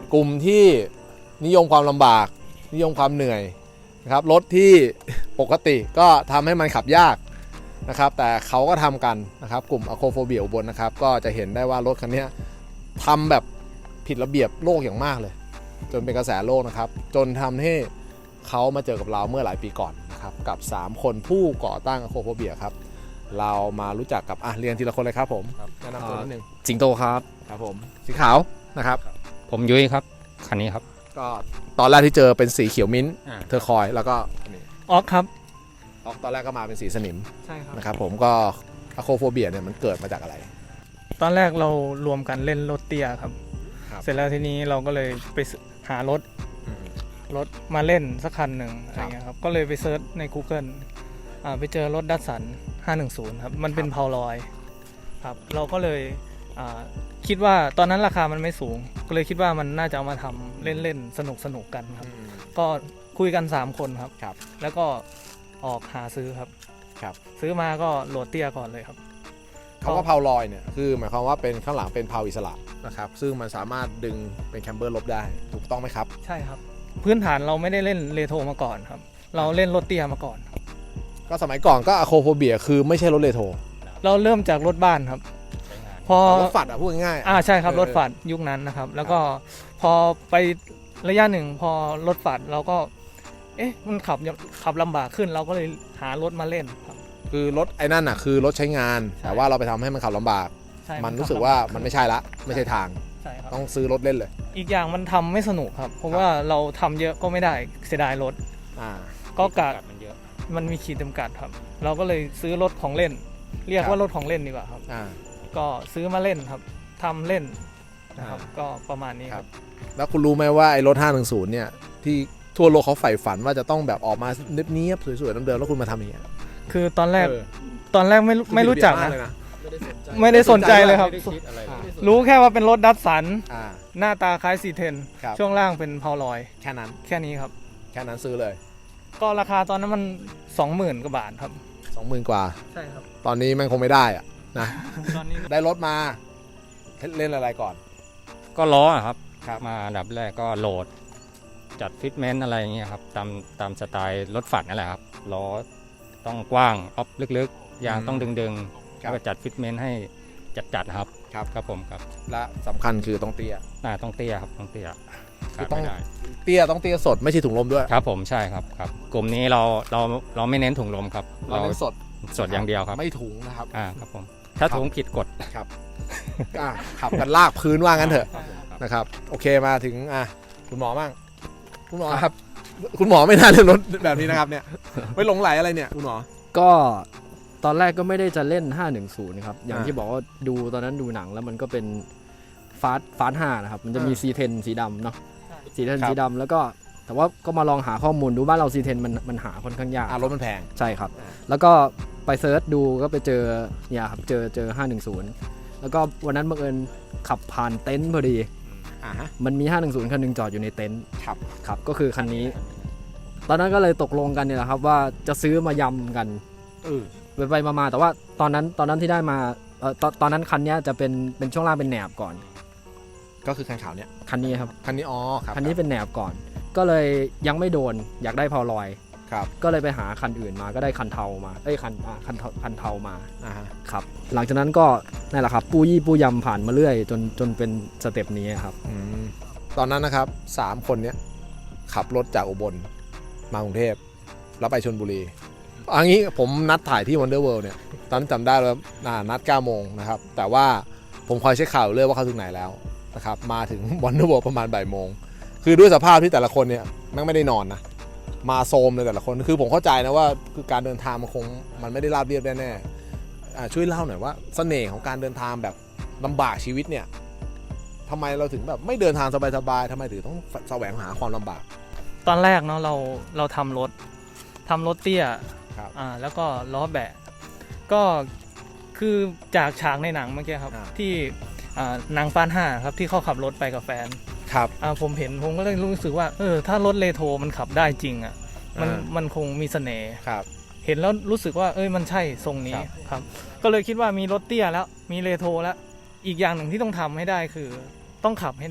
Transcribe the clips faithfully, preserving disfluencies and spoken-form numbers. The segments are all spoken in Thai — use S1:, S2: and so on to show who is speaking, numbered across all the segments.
S1: กลุ่มที่นิยมความลำบากนิยมความเหนื่อยนะครับรถที่ปกติก็ทำให้มันขับยากนะครับแต่เขาก็ทำกันนะครับกลุ่มอะโคโฟเบียอุบลนะครับก็จะเห็นได้ว่ารถคันนี้ทำแบบผิดระเบียบโลกอย่างมากเลยจนเป็นกระแสโลกนะครับจนทำให้เขามาเจอกับเราเมื่อหลายปีก่อนนะครับกับสามคนผู้ก่อตั้งอะโคโฟเบียครับเรามารู้จักกับอ่ะเรียนทีละคนเลยครับผมแนะนำตัวนิดนึง
S2: สิงโตครับ
S1: ครับผมสีขาวนะครับ
S2: ผมยุ้ยครับคันนี้ครับ
S1: ก็ตอนแรกที่เจอเป็นสีเขียวมิ้นท์เทอร์คอยแล้วก็
S3: ออกครับ
S1: ออกตอนแรกก็มาเป็นสีสนิม
S3: ใช่ครับ
S1: นะครับผมก็อะโคโฟเบียเนี่ยมันเกิดมาจากอะไร
S3: ตอนแรกเรารวมกันเล่นรถเตี้ยครับเสร็จแล้วทีนี้เราก็เลยไปหารถรถมาเล่นสักคันหนึ่งอะไรเงี้ยครับก็เลยไปเซิร์ชใน Google อ่าไปเจอรถดัสสันห้าหนึ่งศูนย์ครับมันเป็นเพาลอยครับเราก็เลยอ่าคิดว่าตอนนั้นราคามันไม่สูงก็เลยคิดว่ามันน่าจะเอามาทำเล่นๆสนุกสนุกกันครับก็คุยกันสามคนครับ
S1: ครับ
S3: แล้วก็ออกหาซื้อครับ
S1: ครับ
S3: ซื้อมาก็โหลดเตี้ยก่อนเลยครับ
S1: คำว่าเพาลอยเนี่ยคือหมายความว่าเป็นข้างหลังเป็นเพาอิสระนะครับซึ่งมันสามารถดึงเป็นแคมเบอร์ลบได้ถูกต้องไหมครับ
S3: ใช่ครับพื้นฐานเราไม่ได้เล่นเรโทรมาก่อนครับเราเล่นรถเตี้ยมาก่อน
S1: ก็สมัยก่อนก็อะโคโฟเบียคือไม่ใช่รถเรโทร
S3: เราเริ่มจากรถบ้านครับพอ
S1: รถฝัดอ่ะพูดง่าย
S3: อ่าใช่ครับรถฝัดยุคนั้นนะครับแล้วก็พอไประยะหนึ่งพอรถฝัดเราก็เอ๊ะมันขับขับลำบากขึ้นเราก็เลยหารถมาเล่นครับ
S1: คือรถไอ้นั่นอ่ะคือรถใช้งานแต่ว่าเราไปทำให้มันขับลำบากมันรู้สึกว่ามันไม่ใช่ละไม่ใช่ทางต้องซื้อรถเล่นเลย
S3: อีกอย่างมันทำไม่สนุกครับเพราะว่าเราทำเยอะก็ไม่ได้เสียดายรถก็กะมันเยอะมันมีขีดจำกัดครับเราก็เลยซื้อรถของเล่นเรียกว่ารถของเล่นดีกว่าครับก็ซื้อมาเล่นครับทำเล่นนะครับก็ประมาณนี้ครับ
S1: แล้วคุณรู้ไหมว่าไอ้รถห้าหนึ่งศูนย์เนี่ยที่ทั่วโลกเขาใฝ่ฝันว่าจะต้องแบบออกมาเนียบๆสวยๆเดิมๆแล้วคุณมาทำอย่างเงี้ย
S3: คือตอนแรกตอนแรกไม่ไม่รู้จักนะไม่ได้สนใจเลยครับรู้แค่ว่าเป็นรถดัสสันหน้าตาคล้ายซีเทนช่วงล่างเป็นเพาลอย
S1: แค่นั้น
S3: แค่นี้ครับ
S1: แค่นั้นซื้อเลย
S3: ก็ราคาตอนนั้นมันสองหมื่นกว่าบาทครับ
S1: สองหมื่นกว่า
S3: ใช่ครับ
S1: ตอนนี้มันคงไม่ได้อะนะตอนนี้ได้รถมาเล่นอะไรก่อน
S2: ก็ล้อครับมาอันดับแรกก็โหลดจัดฟิตเมนต์อะไรอย่างเงี้ยครับตามตามสไตล์รถฝัดนั่นแหละครับล้อต้องกว้างออฟลึกๆยางต้องดึงๆแล้วก็จัดฟิตเมนต์ให้จัดๆครับ
S1: ครับ
S2: ครับผมครับ
S1: และสำคัญคือต้องเตี้ย
S2: น่าต้องเตี้ยครับต้องเตี้ย
S1: คือต้องเตี้ยต้องเตี้ยสดไม่ใช่ถุงลมด้วย
S2: ครับผมใช่ครับครับกลุ่มนี้เราเราเราไม่เน้นถุงลมครับ
S1: เราเน้นสด
S2: สดอย่างเดียวครับ
S1: ไม่ถุงนะครับ
S2: อ่าครับผมถ้าถุงผิดกฎ
S1: ครับขับกันลากพื้นว่างั้นเถอะนะครับโอเคมาถึงอ่ะคุณหมอบ้างคุณหมอครับคุณหมอไม่น่าเล่นรถแบบนี้นะครับเนี่ยไม่หลงไหลอะไรเนี่ยคุณหมอ
S4: ก็ตอนแรกก็ไม่ได้จะเล่นห้าหนึ่งศูนย์ครับอย่างที่บอกว่าดูตอนนั้นดูหนังแล้วมันก็เป็นฟาสฟาสห้านะครับมันจะมี ซี เทน สีดำเนาะ ซี เทน สีดำแล้วก็แต่ว่าก็มาลองหาข้อมูลดูบ้านเรา ซี เทน มันมันหาค่อนข้างยาก
S1: รถมันแพง
S4: ใช่ครับแล้วก็ไปเซิร์ชดูก็ไปเจอเนี่ยครับเจอเจอห้าหนึ่งศูนย์แล้วก็วันนั้นบังเอิญขับผ่านเต็นท์พอดีมันมีห้าหนึ่งศูนย์คันนึงจอดอยู่ในเต็นท์
S1: ครับ
S4: ครับก็คือคันนี้ตอนนั้นก็เลยตกลงกันเนี่ยแหละครับว่าจะซื้อมายำกันไปไปมาๆแต่ว่าตอนนั้นตอนนั้นที่ได้มาเอ่อตอนตอนนั้นคันนี้จะเป็นเป็นช่วงล่างเป็นแหนบก่อน
S1: ก็คือคันขาวเนี่ย
S4: คันนี้ครับ
S1: คันนี้อ๋อครับ
S4: คันนี้เป็นแหนบก่อนก็เลยยังไม่โดนอยากได้เพาลอย
S1: ครับ
S4: ก็เลยไปหาคันอื่นมาก็ได้คันเทามาเอ้ยคันอ่าคันคันเทามา
S1: อ่า
S4: ครับหลังจากนั้นก็นั่นแหละครับปูยี่ปูยำผ่านมาเรื่อยจนจนเป็นสเต็ปนี้ครับ
S1: อืมตอนนั้นนะครับสามคนเนี้ยขับรถจากอุบลมากรุงเทพแล้วไปชลบุรีอันนี้ผมนัดถ่ายที่ Wonder World เนี่ยตอนนั้นจำได้แล้วนัดเก้าโมงนะครับแต่ว่าผมคอยเช็คข่าวเรื่อยว่าเขาถึงไหนแล้วนะครับมาถึง Wonder World ประมาณบ่ายโมงคือด้วยสภาพที่แต่ละคนเนี่ยแม่งไม่ได้นอนนะมาโซมเลยแต่ละคนคือผมเข้าใจนะว่าคือการเดินทางมันคงมันไม่ได้ราบเรียบแน่ๆช่วยเล่าหน่อยว่าเสน่ห์ของการเดินทางแบบลำบากชีวิตเนี่ยทำไมเราถึงแบบไม่เดินทางสบายๆทำไมถึงต้องแสวงหาความลำบาก
S3: ตอนแรกเนาะเราเราทำรถทำรถเตี้ยอ่าแล้วก็ล้อแบะก็คือจากฉากในหนังเมื่อกี้ครับที่อ่านางฟ้าห้าครับที่เขาขับรถไปกับแฟน
S1: ครับ
S3: อ่าผมเห็นผมก็เลยรู้สึกว่าเออถ้ารถเรโทรมันขับได้จริงอ่ะมันมันคงมีเสน่ห์
S1: ครับ
S3: เห็นแล้วรู้สึกว่าเอ้ยมันใช่ทรงนี้ครับก็เลยคิดว่ามีรถเตี้ยแล้วมีเรโทรแล้วอีกอย่างหนึ่งที่ต้องทำให้ได้คือต้องขับให้ได้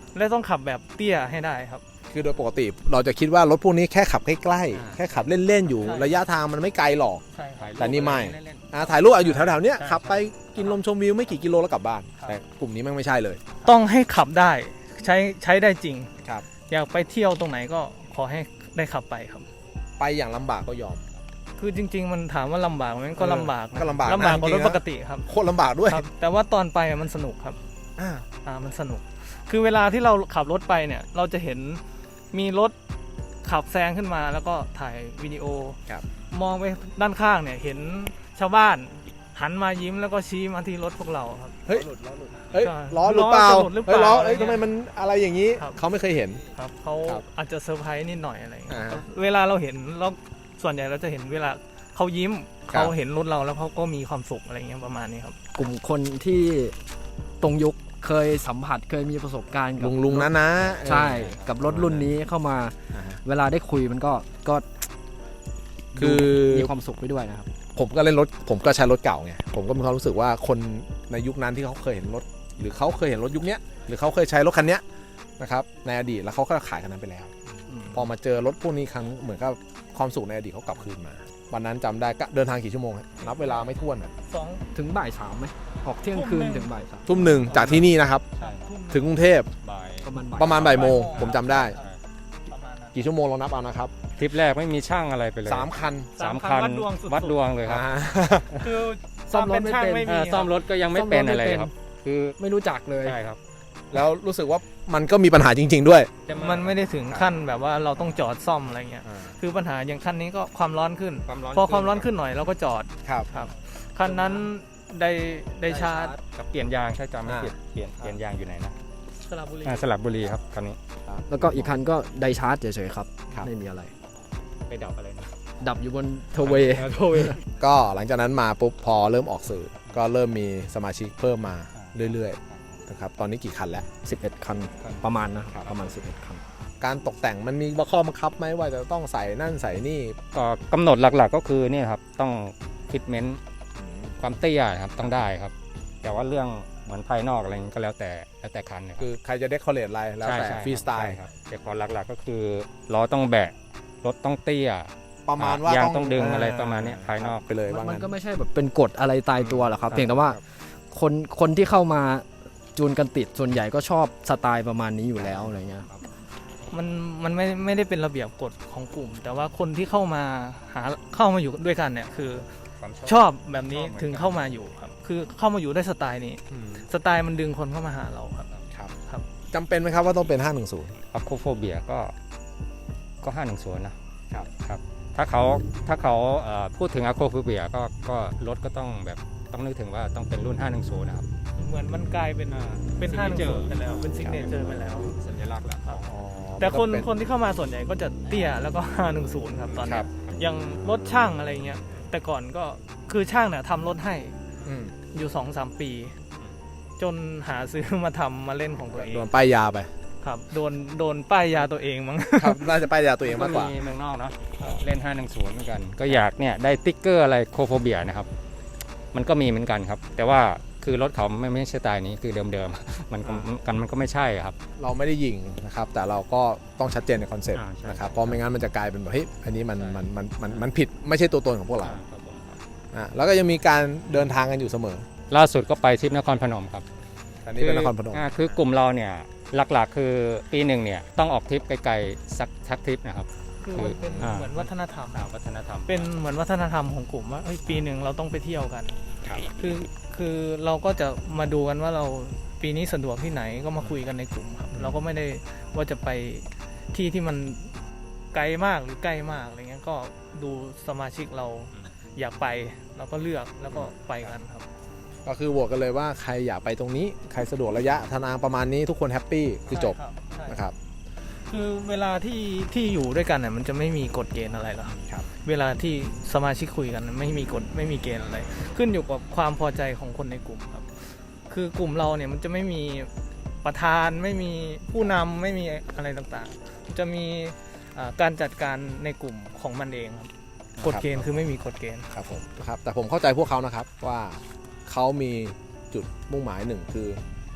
S3: และต้องขับแบบเตี้ยให้ได้ครับ
S1: คือโดยปกติเราจะคิดว่ารถพวกนี้แค่ขับใกล้
S2: อ่า
S1: ๆแค่ขับเล่นๆอยู่
S3: ใช่
S1: ระยะทางมันไม่ไกลหรอก
S3: ใช่ครับ
S1: แต่นี่ไม่
S2: เล่น
S1: อ่ะถ่ายรูปเอาอยู่แถวๆเนี้ย
S2: ใช่
S1: ขับไปกินลมชมวิวไม่กี่กิโลแล้วกลับบ้าน
S3: ครับ
S1: แต่กลุ่มนี้แม่งไม่ใช่เลย
S3: ต้องให้ขับได้ใช้ใช้ได้จริง
S1: ครับ
S3: อยากไปเที่ยวตรงไหนก็ขอให้ได้ขับไปครับ
S1: ไปอย่างลำบากก็ยอม
S3: คือจริง ๆ มันถามว่าลำบากไหมก็ลำบากนะ
S1: ก็ลำบากนะ
S3: ลำบากกว่า
S1: จริ
S3: รง ถ
S1: ๆนะ
S3: ปกติครับ
S1: โคตรลำบากด้วย
S3: ครับ แต่ว่าตอนไปอะมันสนุกครับ
S1: อ่า
S3: อ่ามันสนุก คือเวลาที่เราขับรถไปเนี่ย เราจะเห็นมีรถขับแซงขึ้นมาแล้วก็ถ่ายวิดีโอ
S1: ครับ
S3: มองไปด้านข้างเนี่ยเห็นชาวบ้านหันมายิ้มแล้วก็ชี้มาที่รถพวกเราครับ
S1: เฮ้ยเฮ้ย
S3: ใช่
S1: ล้อหรือเปล่า
S3: ล้อจะหลุดหรือเปล่า
S1: เฮ้ยล้อ
S3: อะไร
S1: เอ้ย
S3: เงี้ย
S1: ทำไมมันอะไรอย่างนี้
S3: ครับ
S1: เขาไม่เคยเห็น
S3: ครับเขา
S1: ครับ
S3: อาจจะเซอร์ไพรส์นิดหน่อยอะไรอย่างเงี้ย
S1: อ่า
S3: ครับเวลาเราเห็นเราส่วนใหญ่เราจะเห็นเวลาเขายิ้ม
S1: ครับ
S3: เขาเห็นรถเราแล้วเขาก็มีความสุขอะไรเงี้ยประมาณนี้ครับ
S4: กลุ่มคนที่ตรงยุคเคยสัมผัสเคยมีประสบการณ์กับ
S1: ลุงลุงนะนะ
S4: ใช่กับรถรุ่นนี้เข้ามา
S1: อ่าฮะ
S4: เวลาได้คุยมันก็ก็
S1: คือ
S4: มีความสุขไปด้วยนะครับ
S1: ผมก็เล่นรถผมก็ใช้รถเก่าไงผมก็มีความรู้สึกว่าคนในยุคนั้นที่เขาเคยเห็นรถ หรือเขาเคยเห็นรถยุคเนี้ยหรือเขาเคยใช้รถคันเนี้ยนะครับในอดีตแล้วเขาก็ขายคันนั้นไปแล้ว พอมาเจอรถพวกนี้ครั้งเหมือนกับความสุขในอดีตเขากลับคืนมา วันนั้นจำได้ก็เดินทางกี่ชั่วโมงฮะนับเวลาไม่ถ้วนอะ
S3: สอง
S4: ถึงบ่ายสามไหมออกเที่ยงคืนถึงบ่ายสาม
S1: ทุ่มหนึ่งจากที่นี่นะครับ
S2: ใช่
S1: ถึงกรุงเทพ
S2: บ่าย
S4: ประมาณบ่าย
S1: ประมาณบ่ายโมงผมจำได้
S3: ประมาณนั้น
S1: กี่ชั่วโมงเรานับเอานะครับ
S2: ทริปแรกไม่มีช่างอะไรไปเลย
S1: สามคัน
S2: สามคัน
S3: วัดดวงสุดๆ
S2: วัดดวงเลยครับ
S1: อ่า
S3: คือ
S4: ซ่อมรถไม่เป็น
S3: ไม่
S2: เอ
S3: มี
S2: อซ่อมรถก็ยังไม่เป็นอะไรเลยครับ คือ
S4: ไม่รู้จักเลย
S2: ใช่ครับ
S1: แล้วรู้สึกว่ามันก็มีปัญหาจริง ๆ ด้วย
S3: มันไม่ได้ถึงขั้นแบบว่าเราต้องจอดซ่อมอะไรเงี้ย คือปัญหาอย่างคันนี้ก็ความร้อนขึ้น
S2: ความร้อน
S3: พอความร้อนขึ้นหน่อยเราก็จอด
S1: ครับ
S3: ครับคันนั้นได้ได้ชาร์จ
S2: กับเปลี่ยนยางใช่จำไม่
S1: อ่า
S2: ผิดเปลี่ยนเปลี่ยนยางอยู่ไหนนะ
S3: สระบุรี
S2: อ่าสลับบุรีครับคันนี้
S4: แล้วก็อีกคันก็ไดชาร์จเฉยๆครับ
S1: ครับ
S4: ไม่มีอะไร
S2: ไปดับอะไรนะ
S4: ดับอยู่บนเทเวย์
S2: โทเว
S1: ก็หลังจากนั้นมาปุ๊บพอเริ่มออกสื่อ ก็เริ่มมีสมาชิกเพิ่มมาเรื่อยๆนะครับตอนนี้กี่คันแล้ว
S4: สิบเอ็ดคันประมาณนะครับประมาณสิบเอ็ดคัน
S1: การตกแต่งมันมีข้อบังคับไหมว่าจะต้องใส่นั่นใส่นี่
S2: ก็กำหนดหลักๆก็คือเนี่ยครับต้องฟิตเมนต์ความเตี้ยครับต้องได้ครับ แต่ว่าเรื่องเหมือนภายนอกอะไรนี้ก็แล้วแต่แล้วแต่คันนะค
S1: คื
S2: รับ
S1: อใครจะเดคอเรทอะไรแล้วแต่
S2: ใช่
S1: ฟรีสไตล์
S2: ใช่ครับแต่พอหลักๆก็คือล้อต้องแบะรถต้องเตี้ย
S1: ประมาณว่าย
S2: างต้องดึงอะไรประมาณเนี้ยภายนอก
S1: ไปเลยว่า
S4: มัน
S1: งั้น
S4: ก็ไม่ใช่แบบเป็นกฎอะไรตายตัวหรอกครับ
S2: ครับ
S4: เพียงแต่ว่าคนคนที่เข้ามาจูนกันติดส่วนใหญ่ก็ชอบสไตล์ประมาณนี้อยู่แล้วอะไรเงี้ย
S3: มันมันไม่ไม่ได้เป็นระเบียบกฎของกลุ่ม แต่ว่าคนที่เข้ามาหาเข้ามาอยู่ด้วยกันเนี่ยคือ
S2: ความ
S3: ชอบแบบนี้ถึงเข้ามาอยู่ครับคือเข้ามาอยู่ได้สไตล์นี้
S1: อืม
S3: สไตล์มันดึงคนเข้ามาหาเราครับ
S1: ครับ
S3: ครับ
S1: จำเป็นไหมครับว่าต้องเป็น ห้าหนึ่งศูนย์
S2: อัพโคโฟเบียก็ก็ห้าหนึ่งศูนย์นะครับครับถ้าเขาถ้าเขาเอ่อพูดถึงอะโคโฟเบียก็ก็รถก็ต้องแบบต้องนึกถึงว่าต้องเป็นรุ่นห้าหนึ่งศูนย์นะครับ
S3: เหมือนมันกลายเป็นเป็นห้าหนึ่งศูนย์ไปแล้วเป็นซิกเนเจอร์ไปแล้ว
S2: สัญลักษณ์แล้ว
S3: ครับแต่คนคนที่เข้ามาส่วนใหญ่ก็จะเตี้ยแล้วก็ห้าหนึ่งศูนย์ครับตอน
S1: ค
S3: นี้
S1: รับ
S3: อย่างรถช่างอะไรเงี้ยแต่ก่อนก็คือช่างเนี่ยทำรถให้
S1: อืม
S3: อยู่สองสามปี จนหาซื้อมาทำมาเล่นของตัวเอง
S1: โดนป้ายยาไป
S3: ครับโดนโดนป้ายยาตัวเองมั้ง
S1: ครับน่าจะป้ายยาตัวเองมากกว่า
S2: เมืองนอกเนาะเล่นห้าหนึ่งศูนย์เหมือนกัน ก็อยากเนี่ยได้ติ๊กเกอร์อะไรโคโฟเบียนะครับ มันก็มีเหมือนกันครับ แต่ว่าคือรถเขาไม่ไม่ใช่สไตล์นี้คือเดิมๆ มันก็กันมันก็ไม่ใช่ครับ
S1: เราไม่ได้ยิงนะครับ แต่เราก็ต้องชัดเจนในคอนเซ็ปต์
S2: อ่าใช่
S1: นะครับเพราะไม่งั้นมันจะกลายเป็นแบบเฮ้ยอันนี้มันมันมันมันมันผิดไม่ใช่ตัวตนของพวกเราอ่ะแล้วก็ยังมีการเดินทางกันอยู่เสมอ
S2: ล่าสุดก็ไปทริปนครพนมครับ
S1: อันนี้เป็นนครพนม
S2: อ่าคือกลุ่มเราเนี่ยหลักๆ คือปีหนึ่งเนี่ยต้องออกทริปไกลๆสักสักทริปนะครับ
S3: คือมันเป็น
S2: อ่า
S3: เหมือนวัฒนธรรม
S2: อ่าวัฒนธรรม
S3: เป็นเหมือนวัฒนธรรมของกลุ่มว่าเอ้ยปีหนึ่งเราต้องไปเที่ยวกัน
S1: ครับ
S3: คือคือเราก็จะมาดูกันว่าเราปีนี้สะดวกที่ไหนก็มาคุยกันในกลุ่มครับ เราก็ไม่ได้ว่าจะไปที่ที่มันไกลมากหรือใกล้มากอะไรเงี้ยก็ดูสมาชิกเราอยากไปเราก็เลือกแล้วก็ไปกันครับ
S1: ก็คือโหวตกันเลยว่าใครอยากไปตรงนี้ใครสะดวกระยะทางประมาณนี้ทุกคนแฮปปี้คือจบ
S3: ใช่ครับใช่
S1: นะครับ
S3: คือเวลาที่ที่อยู่ด้วยกันเนี่ยมันจะไม่มีกฎเกณฑ์อะไรหรอก
S1: ครับ
S3: เวลาที่สมาชิกคุยกันไม่มีกฎไม่มีเกณฑ์อะไร ขึ้นอยู่กับความพอใจของคนในกลุ่มครับ คือกลุ่มเราเนี่ยมันจะไม่มีประธานไม่มีผู้นำไม่มีอะไรต่างๆ จะมีอ่าการจัดการในกลุ่มของมันเองครับกฎเกณฑ์คือไม่มีกฎเกณฑ์
S1: ครับผมนะครับแต่ผมเข้าใจพวกเขานะครับว่าเขามีจุดมุ่งหมายหนึ่งคือ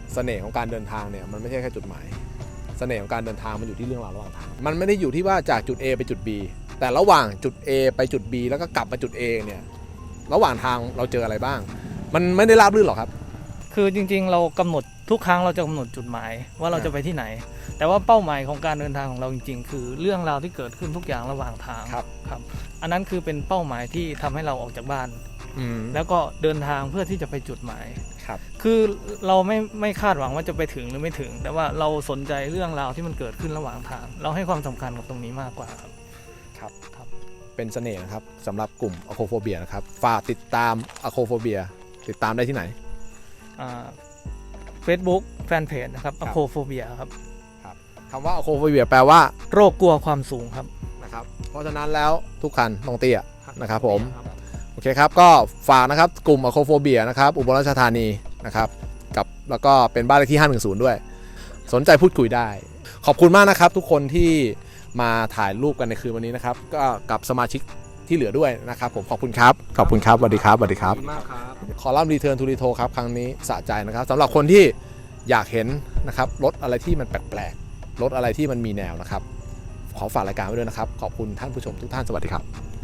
S1: เสน่ห์ของการเดินทางเนี่ยมันไม่ใช่แค่จุดหมายเสน่ห์ของการเดินทางมันอยู่ที่เรื่องราวระหว่างทางมันไม่ได้อยู่ที่ว่าจากจุด A ไปจุด B แต่ระหว่างจุด A ไปจุด B แล้วก็กลับมาจุด A เนี่ยระหว่างทางเราเจออะไรบ้างมันไม่ได้ราบรื่นหรอกครับ
S3: คือจริงๆเรากำหนดทุกครั้งเราจะกำหนดจุดหมายว่าเราจะไปที่ไหน แต่ว่าเป้าหมายของการเดินทางของเราจริงๆ คือเรื่องราวที่เกิดขึ้นทุกอย่างระหว่างทาง
S1: ครับ
S3: ครับอันนั้นคือเป็นเป้าหมายที่ทำให้เราออกจากบ้าน
S1: อืม
S3: แล้วก็เดินทางเพื่อที่จะไปจุดหมาย
S1: ครับ
S3: คือเราไม่ไม่คาดหวังว่าจะไปถึงหรือไม่ถึง แต่ว่าเราสนใจเรื่องราวที่มันเกิดขึ้นระหว่างทาง เราให้ความสำคัญกับตรงนี้มากกว่าครับ
S1: ครับ
S3: ครับ
S1: เป็นเสน่ห์นะครับสำหรับกลุ่มอะโคโฟเบียนะครับฝากติดตามอะโคโฟเบียติดตามได้ที่ไหน
S3: เฟซบุ๊กแฟนเพจนะครับอโคโฟเบียครับ
S1: คำว่าอะโคโฟเบียแปลว่า
S3: โรคกลัวความสูงครับ
S1: นะครับเพราะฉะนั้นแล้วทุกคันต้องเตี้ยนะครับผมโอเคครับก็ฝากนะครับกลุ่มอะโคโฟเบียนะครับอุบลราชธานีนะครับกับแล้วก็เป็นบ้านเลขที่ห้าหนึ่งศูนย์ด้วยสนใจพูดคุยได้ ขอบคุณมากนะครับทุกคนที่มาถ่ายรูปกันในคืนวันนี้นะครับก็กับสมาชิกที่เหลือด้วยนะครับผมขอบคุณครับขอบคุณครับสวัสดีครับสวัสดีครับ
S4: มากครับ
S1: คอลัมน์รีเทิร์นทูรีโทครับครั้งนี้สะใจนะครับสำหรับคนที่อยากเห็นนะครับรถอะไรที่มันแปลกๆรถอะไรที่มันมีแนวนะครับขอฝากรายการไว้ด้วยนะครับขอบคุณท่านผู้ชมทุกท่านสวัสดีครับ